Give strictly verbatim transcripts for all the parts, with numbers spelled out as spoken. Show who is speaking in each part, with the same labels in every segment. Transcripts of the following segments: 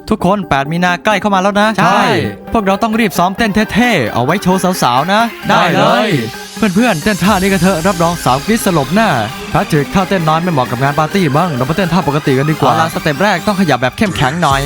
Speaker 1: ทุกคนแปดมีนาใกล้เข้ามาแล้วนะใช่พวกเราต้องรีบซ้อมเต้นเท่ๆเอาไว้โชว์สาวๆนะได้เลยเพื่อนๆเต้นท่านี้กันเถอะรับรองสาวกรี๊ดสลบแน่แพทริกท่าเต้นน้อยไม่เหมาะกับงานปาร์ตี้บ้างเรามาเต้นท่าปกติกันดีกว่าสเต็ปแรกต้องขยับแบบเข้มแข็งหน่อย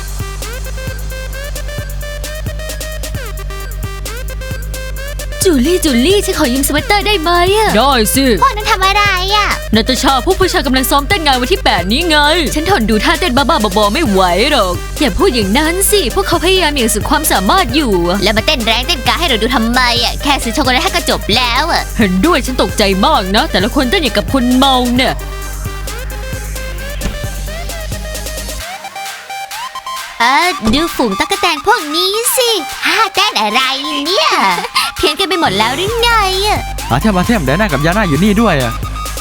Speaker 2: จูลี่จูลี่ฉันขอยืมสเวตเตอร์ได้ไหมอะได้สิ
Speaker 3: พวกนั้นทำอะไรอะ
Speaker 2: นาตาชาผู้ผู้ชายกำลังซ้อมเต้นงานวันที่แปดนี้ไงฉันทนดูท่าเต้นบ้าๆบอๆไม่ไหวหรอกอย่าพูดอย่างนั้นสิพวกเขาพยายามอย่างสุดความสามารถอยู่
Speaker 3: แล้วมาเต้นแรงเต้นกาให้เราดูทำไมอะแค่ซื้อช็อกโกแลตให้ก็จบแล้วอะ
Speaker 2: เห็นด้วยฉันตกใจมากนะแต่ละคนเต้นอย่างกับคนเมาเนี่ย
Speaker 3: เออดูฝูงตั๊กแตนพวกนี้สิท่าเต้นอะไรเนี่ยเพี้ยนกันไปหมดแล้วหรือไงอะ
Speaker 1: อาเทมอาเทมเดน่ากับยาน่าอยู่นี่ด้วยอะ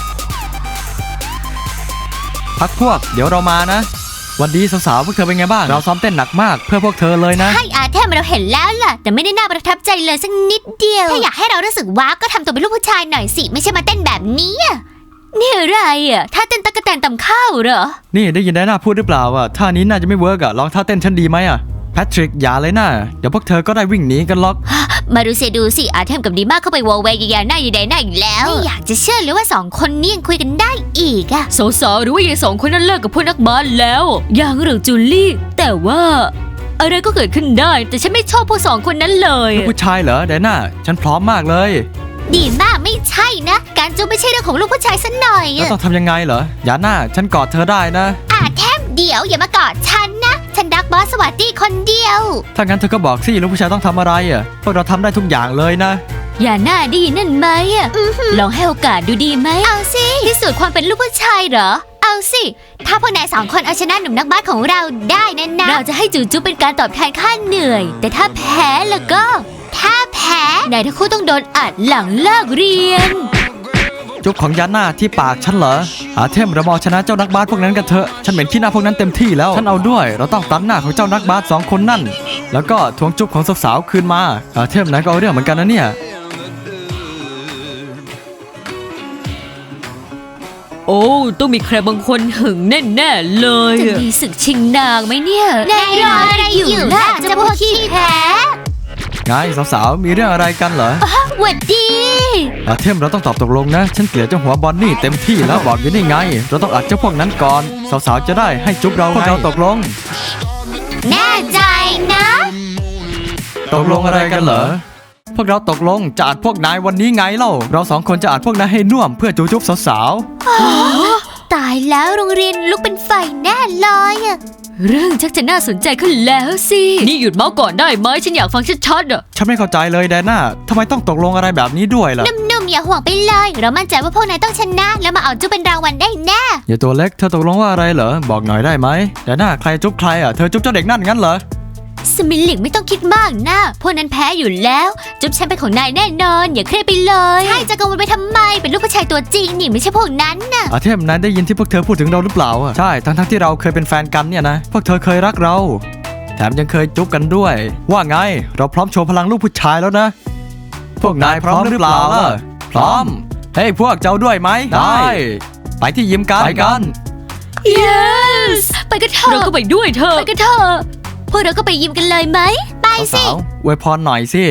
Speaker 1: พักพวกเดี๋ยวเรามานะวันดีสาวๆพวกเธอเป็นไงบ้างเราซ้อมเต้นหนักมากเพื่อพวกเธอเลยนะ
Speaker 3: ใช่อาเทมเราเห็นแล้วล่ะแต่ไม่ได้น่าประทับใจเลยสักนิดเดียวถ้าอยากให้เรารู้สึกว้าวก็ทำตัวเป็นลูกผู้ชายหน่อยสิไม่ใช่มาเต้นแบบนี้
Speaker 2: นี่อะไรอ่ะท่าเต้นตั๊กแตนตำข้าวเหรอ
Speaker 1: นี่ได้ยินได้น่าพูดหรือเปล่าอ่ะท่านี้น่าจะไม่เวิร์กอ่ะลองท่าเต้นฉันดีไหมอ่ะแพทริกอย่าเลยนะเดี๋ยวพวกเธอก็ได้วิ่งหนีกันหรอก
Speaker 3: มาดูสิดูสิอาเทมกับดีมากเข้าไปวอลเวย์ยาหน้ายาแดงหน้าอีกแล้วไม่อยากจะเชื่อเลยว่าสองคนนี้ยังคุยกันได้อีกอะ
Speaker 2: สาวๆหรือว่ายายสองคนนั้นเลิกกับพวกนักบาสแล้วยังหรือจูลี่แต่ว่าอะไรก็เกิดขึ้นได้แต่ฉันไม่ชอบพวกสองคนนั้นเลย
Speaker 1: ลูกผู้ชายเหรอเดน่าฉันพร้อมมากเลย
Speaker 3: ดีมากไม่ใช่นะการจูบไม่ใช่เรื่องของลูกผู้ชายซะหน่อย
Speaker 1: แล้วต้องทำยังไงเหรอยาน่าฉันกอดเธอได้นะ
Speaker 3: อาแทมเดี๋ยวอย่ามากอดฉันนะฉันรักบอสสวัสดีคนเดียว
Speaker 1: ถ้างั้นเธอก็บอกสิลูกผู้ชายต้องทำอะไรอ่ะพวกเราทำได้ทุกอย่างเลยนะ
Speaker 2: อย่าหน้าดีนั่นไหมอ่ะลองให้โอกาสดูดีไหม
Speaker 3: เอาสิ
Speaker 2: พิสูจน์ความเป็นลูกผู้ชายเหรอ
Speaker 3: เอาสิถ้าพวกนายสองคนเอาชนะหนุ่มนักบาสของเราได้นั่นนะ
Speaker 2: เราจะให้จูจูเป็นการตอบแทนค่าเหนื่อยแต่ถ้าแพ้แล้วก็
Speaker 3: ถ้าแพ้
Speaker 2: นายทั้งคู่ต้องโดนอัดหลังเลิกเรียน
Speaker 1: จุ๊บของยาน่าที่ปากฉันเหรออาเทมเรามาชนะเจ้านักบาสพวกนั้นกันเถอะฉันเหม็นขี้หน้าพวกนั้นเต็มที่แล้วฉันเอาด้วยเราต้องตัดหน้าของเจ้านักบาสสองคนนั่นแล้วก็ทวงจุ๊บของสาวๆคืนมาอาเทมนายก็เอาเรื่องเหมือนกันนะเนี่ย
Speaker 2: โอ้ต้องมีใครบางคนหึงแน่ๆเลยจะมีศึกชิงนางไหมเนี่ย
Speaker 3: นายรออะไรอยู่ล่ะจะพวกขี้แพ้
Speaker 1: ไงสาวๆมีเรื่องอะไรกันเหรอ
Speaker 3: หวัดดี
Speaker 1: อาเทมเราต้องตอบตกลงนะฉันเกลียดเจ้าหัวบอนนี่เต็มที่แล้วบอกอยู่นี่ไงเราต้องอัดเจ้าพวกนั้นก่อนสาวๆจะได้ให้จุ๊บเราพวกเราตกลง
Speaker 3: แน่ใจนะ
Speaker 1: ตกลงอะไรกันเหรอพวกเราตกลงจะอัดพวกนายวันนี้ไงเล่าเราสองคนจะอัดพวกนายให้น่วมเพื่อจูจุ๊บสาว
Speaker 3: ๆตายแล้วโรงเรียนลุกเป็นไฟแน่เลยอะ
Speaker 2: เรื่องชักจะน่าสนใจขึ้นแล้วสินี่หยุดเมาส์ก่อนได้ไหมฉันอยากฟังชัดๆอ่ะ
Speaker 1: ฉันไม่เข้าใจเลยแดน่าทำไมต้องตกลงอะไรแบบนี้ด้วยล่ะ
Speaker 3: นุ่มๆอย่าห่วงไปเลยเรามั่นใจว่าพวกนายต้องชนะแล้วมาเอาจุ๊บเป็นรางวัลได้แน่
Speaker 1: อย่าตัวเล็กเธอตกลงว่าอะไรเหรอบอกหน่อยได้ไหมแดน่าใครจุ๊บใครอ่ะเธอจุ๊บเจ้าเด็กนั่นงั้นเหรอ
Speaker 3: สมิลลิกไม่ต้องคิดมากนะพวกนั้นแพ้อยู่แล้วจุ๊บฉันเป็นของนายแน่นอนอย่าเครียดไปเลยใช่จะกังวลไปทำไมเป็นลูกผู้ชายตัวจริงนี่ไม่ใช่พวกนั้นน่ะ
Speaker 1: อาเทมนั้นได้ยินที่พวกเธอพูดถึงเราหรือเปล่าอ่ะใช่ทั้งทั้งที่เราเคยเป็นแฟนกันเนี่ยนะพวกเธอเคยรักเราแถมยังเคยจุ๊บกันด้วยว่าไงเราพร้อมโชว์พลังลูกผู้ชายแล้วนะพวกนายพร้อมหรือเปล่าล่ะพร้อมเฮ้ยพวกเจ้าด้วยไหมได้ไปที่ยิมกันไปกัน
Speaker 2: yes ไปกันเถอะเราก็ไปด้วยเธอไปกันเถอะพวกเราก็ไปยิมกันเลยไหม
Speaker 3: ไปสิ
Speaker 1: อวยพรหน่อยสิ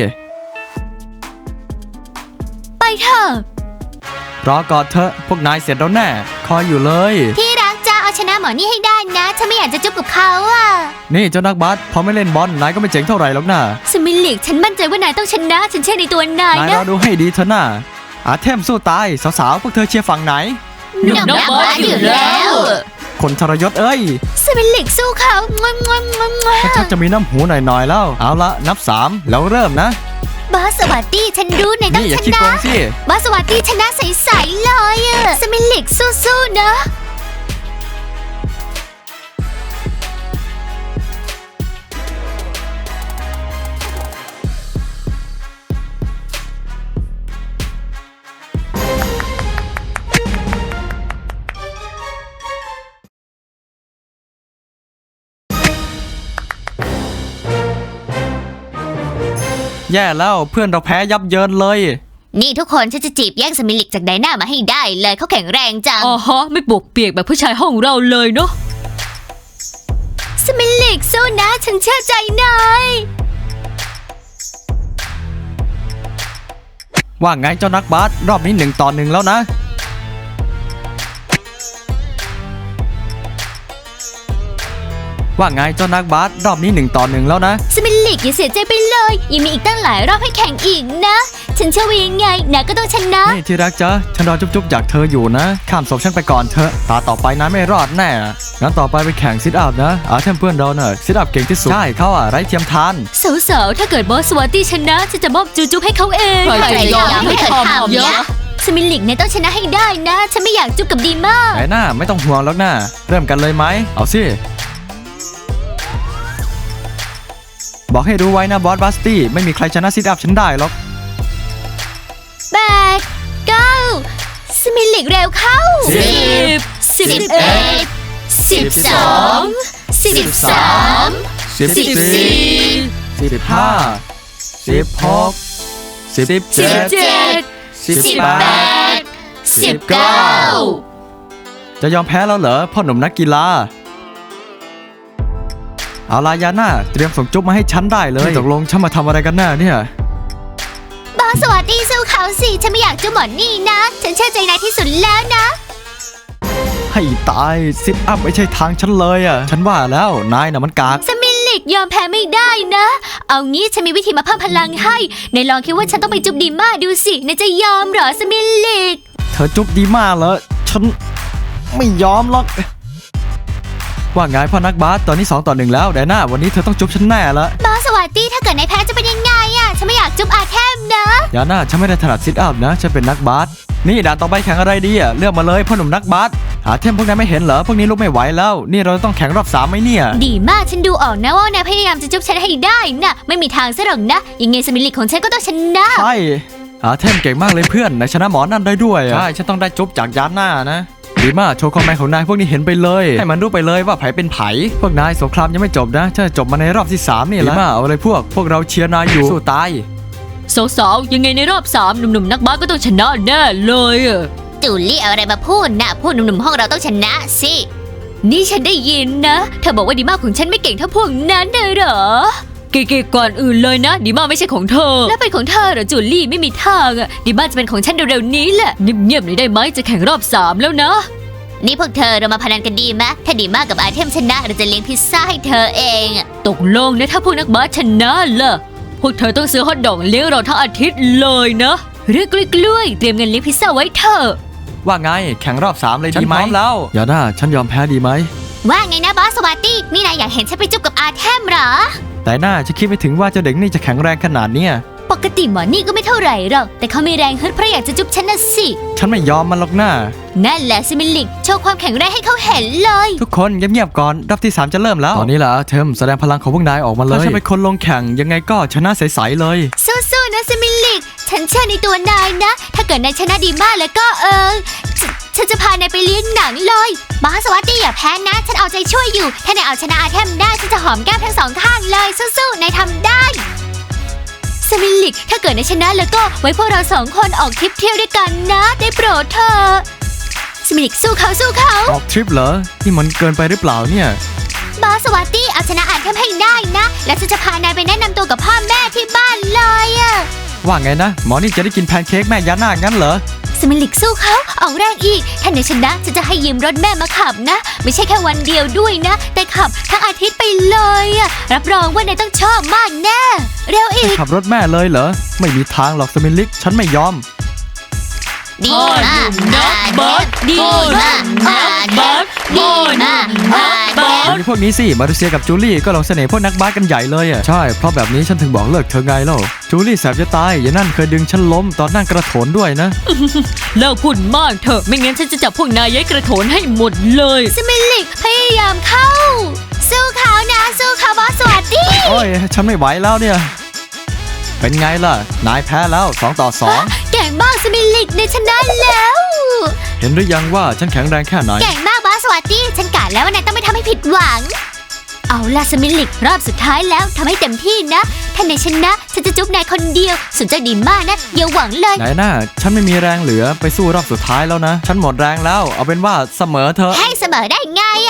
Speaker 2: ไปเถอะ
Speaker 1: รอก่อนเถอะพวกนายเสร็จแล้วแน่คอยอยู่เลย
Speaker 3: ที่รักจะเอาชนะหมอนี่ให้ได้นะฉันไม่อยากจะจุ๊บกับเขาอ่ะ
Speaker 1: นี่เจ้านักบาสพอไม่เล่นบอลนายก็ไม่เจ๋งเท่าไหร่หรอกนะ
Speaker 2: สมิลลิกฉันมั่นใจว่านายต้องชนะฉันเชื่อในตัวนายนะ
Speaker 1: นายรอดูให้ดีเถอะนะอาเทมสู้ตายสาวๆพวกเธอเชียร์ฝั่งไหน
Speaker 3: หนุ่มนักบาสอยู่แล้ว
Speaker 1: คนทรยศเอ้ย
Speaker 3: สมิลลิกสู้เขางวงงวงงวงงว
Speaker 1: งชักจะมีน้ำหูหน่อยๆแล้วเอาละนับสามแล้วเริ่มนะ
Speaker 3: บาสสวัสดีฉันรู้นายต้องชนะบาสสวัสดีชนะใสๆเลยอะสมิลลิกสู้ๆนะ
Speaker 1: แย่แล้วเพื่อนเราแพ้ยับเยินเลย
Speaker 3: นี่ทุกคนฉันจะจีบแย่งสมิลลิกจากไดน่ามาให้ได้เลยเขาแข็งแรงจัง
Speaker 2: อ๋อฮะไม่ปวกเปียกแบบผู้ชายห้องเราเลยเนาะ
Speaker 3: สสมิลิกสู้นะฉันเชื่อใจนาย
Speaker 1: ว่าไงเจ้านักบาสรอบนี้หนึ่งต่อหนึ่งแล้วนะว่าไงเจ้านักบาสรอบนี้หนึ่งต่อหนึ่งแล้วนะ
Speaker 3: สมิลิกอย่าเสียใจไปเลยยังมีอีกตั้งหลายรอบให้แข่งอีกนะฉันเชื่อว่ายังไงนายก็ต้องชนะ
Speaker 1: นี่ที่รักจ๊ะฉันรอจุ๊บๆจากเธออยู่นะข้ามศพฉันไปก่อนเถอะตาต่อไปนั้นไม่รอดแน่งั้นต่อไปไปแข่งซิทอัพนะอาเทมเพื่อนเราเนอะซิทอัพเก่งที่สุดใช่เขาอะไร้เทียมทาน
Speaker 2: สาวๆถ้าเกิดบอสสวาตี้ชนะฉันจะมอบจูจุ๊บให้เขาเอง
Speaker 3: ใครจะยอมให้เธอทำ
Speaker 2: เยอะ
Speaker 3: สมิลิกนายต้องชนะให้ได้นะฉันไม่อยากจุบกับดีมาก
Speaker 1: ไหนหน้าไม่ต้องห่วงแล้วนะเริ่มกันเลยไหมเอาสิบอกให้รู้ไว้นะบอสบัสตี้ไม่มีใครชนะซิทอัพฉันได้หรอก
Speaker 3: แปดเก้าสมิลิกเร็วเข้า
Speaker 1: สิบ
Speaker 3: สิบเอ็ดสิบสองสิบสาม
Speaker 1: สิบ
Speaker 3: สิบ
Speaker 1: สี่
Speaker 3: สี่
Speaker 1: สิบห้าสิบหกสิบ
Speaker 3: สิ
Speaker 1: เจ็
Speaker 3: บ
Speaker 1: ด
Speaker 3: เจ็ด
Speaker 1: สิบ
Speaker 3: สิบ
Speaker 1: แป
Speaker 3: แป
Speaker 1: ด
Speaker 3: ดสิบเก้า
Speaker 1: จะยอมแพ้แล้วเหรอพ่อหนุ่มนักกีฬาเอาลายาน่าเตรียมส่งจุ๊บมาให้ฉันได้เลยตกลงฉันมาทำอะไรกันแน่เนี่ย
Speaker 3: บอสสวัสดีสู้เขาสิฉันไม่อยากจุบหมอนนี่นะฉันเชื่อใจนายที่สุดแล้วนะ
Speaker 1: ให้ตายซิทอัพไม่ใช่ทางฉันเลยอ่ะฉันว่าแล้วนายน่ะมันกาก
Speaker 3: สมิลิกยอมแพ้ไม่ได้นะ เอางี้ฉันมีวิธีมาเพิ่มพลังให้นายลองคิดว่าฉันต้องไปจุบดีมาดูสินายจะยอมเหรอสมิลิก
Speaker 1: เธอจุ๊บดีมากเลยฉันไม่ยอมหรอกว่าไงพ่อนักบาสตอนนี้สองต่อหนึ่งแล้วไดน่าวันนี้เธอต้องจุ๊บฉันแน่ละ
Speaker 3: บอสสวัสดีถ้าเกิดนายแพ้จะเป็นยังไงอะฉันไม่อยากจุบอาเทมนะ
Speaker 1: ยาน่าฉันไม่ได้ถนัดซิทอัพนะฉันเป็นนักบาสนี่ด่านต่อไปแข่งอะไรดีอ่ะเลือกมาเลยพ่อหนุ่มนักบาสหาเทมพวกนั้นไม่เห็นเหรอพวกนี้ลุกไม่ไหวแล้วนี่เราต้องแข่งรอบสามไหมเนี่ย
Speaker 3: ดีมากฉันดูออกนะว่านายพยายามจะจุบฉันให้ได้นะไม่มีทางซะหรอกนะยังไงสมิลิกของฉันก็ต้องชนะ
Speaker 1: ใช่หาเทมเก่งมากเลยเพื่อนนายชนะหมอนั่นได้ด้วยอะใช่ฉันต้องได้จุ๊บจากยาน่านะดีมากโชว์ความแมนของนายพวกนี้เห็นไปเลยให้มันรู้ไปเลยว่าไผเป็นไผพวกนายสงครามยังไม่จบนะจะจบมาในรอบที่สามนี่แหละดีมากเอาเลยพวกพวกเราเชียร์นายอยู่สู้ตาย
Speaker 2: สาวๆยังไงในรอบสามหนุ่มๆนักบาสก็ต้องชนะแน่เลยอะ
Speaker 3: จูลี่เอาอะไรมาพูดนะพูดหนุ่มๆห้องเราต้องชนะสิ
Speaker 2: นี่ฉันได้ยินนะเธอบอกว่าดีมากของฉันไม่เก่งเท่าพวกนั้นเลยเหรอเก๋ๆก่อนอื่นเลยนะดีมากไม่ใช่ของเธอแล้วเป็นของเธอเหรอจูลี่ไม่มีทางอะดีมากจะเป็นของฉันเร็วๆนี้แหละเงียบๆหน่อยได้ไหมจะแข่งรอบสามแล้วนะ
Speaker 3: นี่พวกเธอเรามาพนันกันดีไหมถ้าดีมากกับอาเทมชนะเราจะเลี้ยงพิซซ่าให้เธอเองอะ
Speaker 2: ตกลงนะถ้าพวกนักบาสชนะล่ะพวกเธอต้องซื้อฮอทดอกเลี้ยงเราทั้งอาทิตย์เลยนะเรื่องกล้วยๆเตรียมเงินเลี้ยงพิซซ่าไว้เถอะ
Speaker 1: ว่าไงแข่งรอบสามเลยดีไหมฉันพร้อมแล้วยาน่าฉันยอมแพ้ดีไหม
Speaker 3: ว่าไงนะบอสสวัสดีนี่นายอยากเห็นฉันไปจุบกับอาเทมเหรอ
Speaker 1: แต่น่าจะคิดไม่ถึงว่าเจ้าเด็กนี่จะแข็งแรงขนาดเนี้ย
Speaker 3: ปกติหมอนี่ก็ไม่เท่าไหร่หรอกแต่เขามีแรงฮึดเพราะอยากจะจุบฉันน่ะสิ
Speaker 1: ฉันไม่ยอมมันหรอกนะ
Speaker 3: นั่นแหละซิมิลิกโชว์ความแข็งแรงให้เขาเห็นเลย
Speaker 1: ทุกคนเงียบๆก่อนรอบที่สามจะเริ่มแล้วตอนนี้ล่ะเทมแสดงพลังของพวกนายออกมาเลยถ้าฉันเป็นคนลงแข่งยังไงก็ชนะใสๆเลย
Speaker 3: สู้ๆนะซิมิลิกฉันเชื่อในตัวนายนะ ถ้าเกิดนายชนะดีมากแล้วก็เออฉฉันจะพานายไปเลี้ยงหนังเลยบอสสวัสดีอย่าแพ้นะ ฉันเอาใจช่วยอยู่ถ้านายเอาชนะอาเทมได้ฉันจะหอมแก้มทั้งสองข้างเลยสู้ๆนายทำได้สมิลิกถ้าเกิดนายชนะแล้วก็ไว้พวกเราสองคนออกทริปเที่ยวด้วยกันนะได้โปรดเถอะสมิลิกสู้เขาสู้เขา
Speaker 1: ออกทริปเหรอนี่มันเกินไปหรือเปล่าเนี่ย
Speaker 3: บอสสวัสดีเอาชนะอาเทมให้ได้นะ แล้วฉันจะพานายไปแนะนำตัวกับพ่อแม่ที่บ้านเลยอะ
Speaker 1: ว่าไงนะหมอนี่จะได้กินแพนเค้กแม่ยาน่างั้นเหรอ
Speaker 3: สมิลิกสู้เขาออกแรงอีกถ้านายชนะฉันจะให้ยืมรถแม่มาขับนะ ไม่ใช่แค่วันเดียวด้วยนะ แต่ขับทั้งอาทิตย์ไปเลยอะรับรองว่านายต้องชอบมากแน่เร็วอีก
Speaker 1: ขับรถแม่เลยเหรอไม่มีทางหรอกสมิลิกฉันไม่ยอม
Speaker 3: ดีมาก
Speaker 2: นักบาสดีมากนักบาสดีมากนักบาส
Speaker 1: มีพวกนี้สิมาเลเซียกับจูลี่ก็ลองเสน่ห์พวกนักบาสกันใหญ่เลยอ่ะใช่เพราะแบบนี้ฉันถึงบอกเลิกเธอไงเล่าจูลี่แสบจะตายอย่านั่นเคยดึงฉันล้มตอนนั่งกระโถนด้วยนะ
Speaker 2: เลิกพูดมากเถอะไม่งั้นฉันจะจับพวกนายย้ายกระโถนให้หมดเลย
Speaker 3: สมิลิกพยายามเข้า สู้เขานะสู้เขาบอสสวัสดี
Speaker 1: โอ้ยฉันไม่ไหวแล้วเนี่ยเป็นไงล่ะนายแพ้แล้วสองต่อสอง
Speaker 3: เก่งมากสมิลิกในชนะแล้ว
Speaker 1: เห็นหรือยังว่าฉันแข็งแรงแค่ไหน
Speaker 3: เก่งมากบอสสวัสดีฉันกะแล้วว่านายต้องไม่ทำให้ผิดหวัง เอาล่ะสมิลิกรอบสุดท้ายแล้วทำให้เต็มที่นะถ้านายชนะฉันจะจุ๊บนายคนเดียวสนใจดีมากนะอย่าหวังเลย
Speaker 1: ไหนน่าฉันไม่มีแรงเหลือไปสู้รอบสุดท้ายแล้วนะฉันหมดแรงแล้วเอาเป็นว่าเสมอเธอะ
Speaker 3: ให้เสมอได้ไงอ่ะ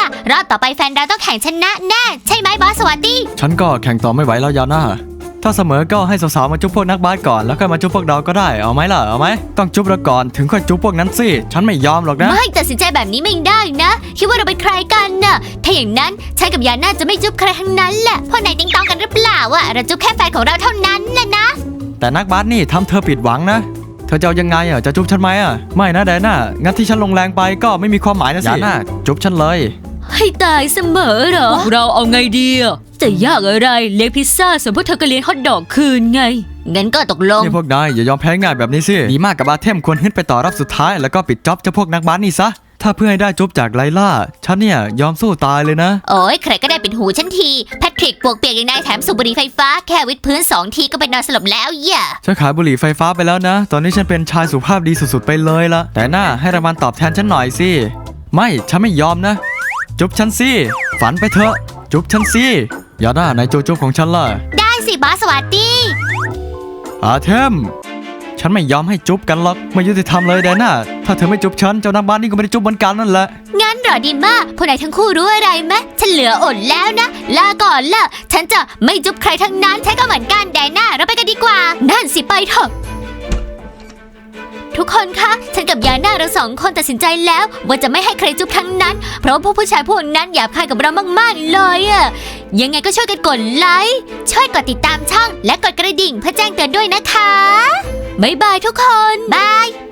Speaker 3: ล่ะรอบต่อไปแฟนเราต้องแข่งชนะแน่ใช่ไหมบอสสวัสดี
Speaker 1: ฉันก็แข่งต่อไม่ไหวแล้วยาน่าถ้าเสมอก็ให้สาวๆมาจุ๊บพวกนักบาสก่อนแล้วค่อยมาจุ๊บพวกเราก็ได้เอาไหมล่ะเอาไหมต้องจุ๊บเราก่อนถึงค่อยจุ๊บพวกนั้นสิฉันไม่ยอมหรอกนะ
Speaker 3: ไม่ตัดสินใจแบบนี้ไม่ได้นะคิดว่าเราเป็นใครกันน่ะถ้าอย่างนั้นฉันกับยาน่าจะไม่จุ๊บใครทั้งนั้นแหละพวกนายติงตองกันหรือเปล่าอะเราจุ๊บแค่แฟนของเราเท่านั้นแหละนะ
Speaker 1: แต่นักบาสนี่ทำเธอผิดหวังนะเธอจะเอายังไงอ่ะจะจุ๊บฉันไหมอ่ะไม่นะแดน่างั้นที่ฉันลงแรงไปก็ไม่มีความหมายนะสิยาน่าจุ๊บฉันเลย
Speaker 2: ให้ตายเสมอเหรอ เราเอาไงดีอะจะยากอะไรเลี้ยงพิซซ่าส่วนพวกเธอก็เลี้ยงฮอทดอกคืนไง
Speaker 3: งั้นก็ตกลง
Speaker 1: นี่พวกนายอย่ายอมแพ้ง่ายแบบนี้สิดีมากกับอาเทมควรขึ้นไปต่อรอบสุดท้ายแล้วก็ปิดจ็อบเจ้าพวกนักบาสนี่ซะถ้าเพื่อให้ได้จุ๊บจากไลล่าฉันเนี่ยยอมสู้ตายเลยนะ
Speaker 3: โอ้ยใครก็ได้เป็นหูฉันทีแพทริกปวกเปียกอย่างนายแถมสูบบุหรี่ไฟฟ้าแค่วิดพื้นสองทีก็เป็นนอนสลบแล้วอย่า
Speaker 1: ฉันขายบุหรี่ไฟฟ้าไปแล้วนะ ตอนนี้ฉันเป็นชายสุภาพดีสุดๆไปเลยละแต่น่าให้รางวัลตอบแทนฉันหน่อยสิไม่ฉันไม่ยอมนะจุ๊บฉันสิฝันไปเถอะจุ๊บฉันสิอย่าหน้าในโจโจ้ของฉันล่ะ
Speaker 3: ได้สิบอสสวัสดี
Speaker 1: อาเทมฉันไม่ยอมให้จุ๊บกันหรอกไม่ยุติธรรมเลยแดน่าถ้าเธอไม่จุ๊บฉันเจ้านักบ้านนี่ก็ไม่ได้จุ๊บเหมือนกันนั่นแหละ
Speaker 3: งั้นเหรอดีมากพวกนายทั้งคู่รู้อะไรไหมฉันเหลืออดแล้วนะลาก่อนละฉันจะไม่จุ๊บใครทั้งนั้นใช้ก็เหมือนกันแดน่าเราไปกันดีกว่านั่นสิไปเถอะทุกคนคะฉันกับยาน่าเราสองคนตัดสินใจแล้วว่าจะไม่ให้ใครจุ๊บทั้งนั้นเพราะว่าพวกผู้ชายพวกนั้นหยาบคายกับเรามากๆเลยอะยังไงก็ช่วยกันกดไลค์ช่วยกดติดตามช่องและกดกระดิ่งเพื่อแจ้งเตือนด้วยนะคะบ๊ายบายทุกคนบาย